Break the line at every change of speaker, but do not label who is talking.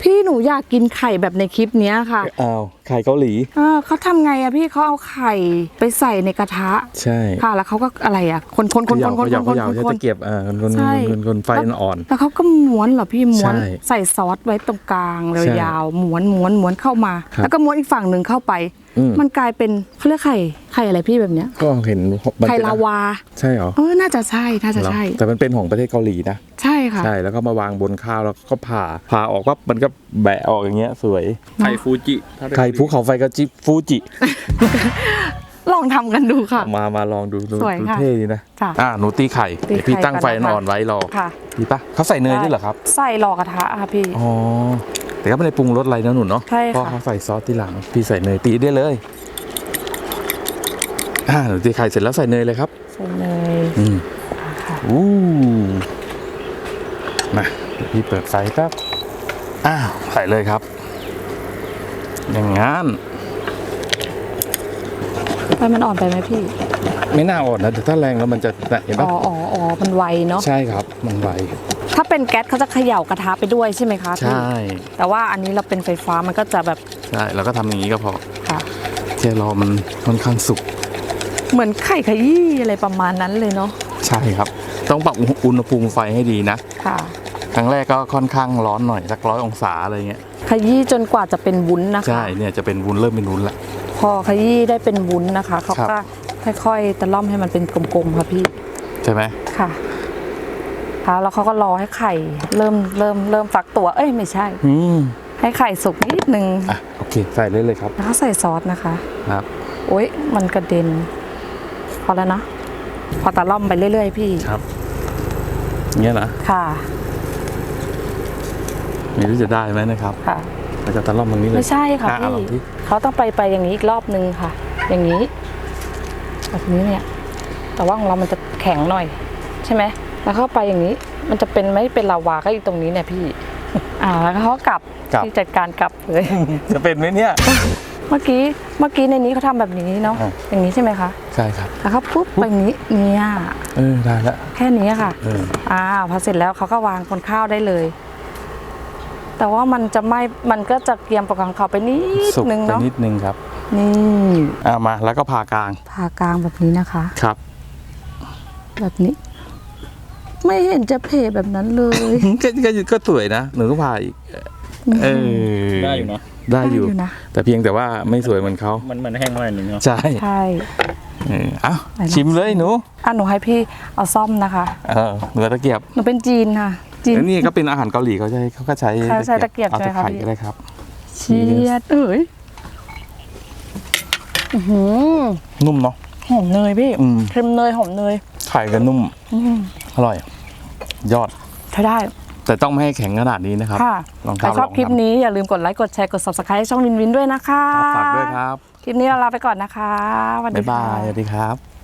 พี่หนูอยากกินไข่แบบในคลิปนี้ค่ะ
อ้าวไข่เกาหลี
เขาทำไงอะพี่เขาเอาไข่ไปใส่ในกระทะ
ใช่
ค่ะแล้วเขาก็อะไรอะคนใ
ช้ตะเกียบคนไฟอ่อน
แล้วเขาก็ม้วนเหรอพี่ม้วนใส่ซอสไว้ตรงกลางเลยยาวม้วนเข้ามาแล้วก็ม้วนอีกฝั่งหนึ่งเข้าไปมันกลายเป็นเขาเรียกไข่อะไรพี่แบบเนี้ย
ก็เห็น
ไข่ลาวา
ใช่เหรอ
น่าจะใช่
แต่มันเป็นของประเทศเกาหลีนะ
ใช่ค่ะ
ใช่แล้วก็มาวางบนข้าวแล้วก็ผ่าออกว่ามันก็แบะออกอย่างเงี้ยสวย
ไข่ฟูจิ
ไข่ภูเขาไฟกระจิบฟูจิ
ลองทำกันดูค่ะ
มาลองดูเท่ดีนะหนูตีไข่เดี๋ยวพี่ตั้งไฟอ่อนไว้รอดีปะเขาใส่เนยด้วยเหรอครับ
ใส่รอกระทะค่ะพี่
อ๋อแต่ก็ไม่ได้ปรุงรสอะไรนะหนูเนาะเพราะเขาใส่ซอสที่หลังพี่ใส่เนยตีได้เลยหนูตีไข่เสร็จแล้วใส่เนยเลยครับ
ใส่เนย
มาเดี๋ยวพี่เปิดไฟครับใส่เลยครับอย่างงั้น
ไฟมันอ่อนไปไหมพี่
ไม่น่าอ่อนนะแต่ถ้าแรงแล้วมันจะเห็นปะ
อ๋อมันไวเนาะ
ใช่ครับมันไว
ถ้าเป็นแก๊สเขาจะเขย่ากระทะไปด้วยใช่ไหมคะ
ใช่
แต่ว่าอันนี้เราเป็นไฟฟ้ามันก็จะแบบ
ใช่เราก็ทำอย่างนี้ก็พอ
ค่ะ
แค่รอมันค่อนข้างสุก
เหมือนไข่ขยี้อะไรประมาณนั้นเลยเนาะ
ใช่ครับต้องปรับอุณหภูมิไฟให้ดีนะ
ค่ะ
ครั้งแรกก็ค่อนข้างร้อนหน่อยสัก100 องศาอะไรเงี้ย
ขยี้จนกว่าจะเป็นวุ้นนะคะ
ใช่เนี่ยจะเป็นวุ้นเริ่มเป็นวุ้นละ
พอขยี้ได้เป็นวุ้นนะคะเขาก็ค่อยๆตะล่อมให้มันเป็นกลมๆค่ะพี่
ใช่ไหม
ค่ะแล้วเขาก็รอให้ไข่เริ่มฟักตัวไม่ใช่ให้ไข่สุกนิดนึง
โอเคใส่เลยครับ
แล้วใส่ซอสนะคะ
ครับ
โอ๊ยมันกระเด็นพอแล้วนะพอตะล่อมไปเรื่อยๆพี่
ครับเงี้ยนะ
ค่ะ
ไม่รู้จะได้ไหมนะครับ
ค่ะ
เราจะตะล่อมตรงนี้เลย
ไม่ใช่ค่ะพี่เขาต้องไปอย่างนี้อีกรอบนึงค่ะอย่างนี้แบบนี้เนี่ยแต่ว่าของเรามันจะแข็งหน่อยใช่ไหมแล้วเข้าไปอย่างนี้มันจะเป็นไม่เป็นลาวาก็อยู่ตรงนี้เนี่ยพี่แล้วเขากลับที่จัดการกลับเลย
จะเป็นไหมเนี่ย
เมื่อกี้ในนี้เขาทำแบบนี้เนาะอย่างนี้ใช่ไหมคะ
ใช่ครับ
แล้วเขาปุ๊บไปอย่างนี้เนี่ย
ได้แล้ว
แค่นี้ค่ะพอเสร็จแล้วเขาก็วางบนข้าวได้เลยแต่ว่ามันก็จะเกรียมประกังเขาไปนิดนึงเนาะ
นิดนึงครับ
นี่
มาแล้วก็ผ่ากลาง
แบบนี้นะคะ
ครับ
แบบนี้ไม่เห็นจะเพแบบนั้นเลย
ก็สวยนะหนูก็ผ่าอีก
ได้อยู่นะ
ได้อยู่นะแต่เพียงแต่ว่าไม่สวยเหมือนเขา
มันแห้งหน่อยนึงเนาะ
ใช่ชิมเลยหนู
หนูให้พี่เอาซ่อมนะคะ
หนูตะเกียบ
หนูเป็นจีนค่ะ
แล้วนี่ก็เป็นอาหารเกาหลีเขาก็ใช้
ตะเกียบ
เอาตะไคร้ก็ได้ครับ
เชียด
นุ่มเนาะ
หอมเนยพี่เค็มเนยหอมเนย
ไข่ก็นุ่มอร่อยยอด
ใช้ได้
แต่ต้องไม่ให้แข็งขนาดนี้นะครับ
ใครชอบคลิปนี้อย่าลืมกดไลค์กดแชร์กด Subscribe ให้ช่องวินด้วยนะคะ
ฝากด้วยครับ
คลิปนี้เราลาไปก่อนนะคะ
บ๊ายบายสวัสดีครับ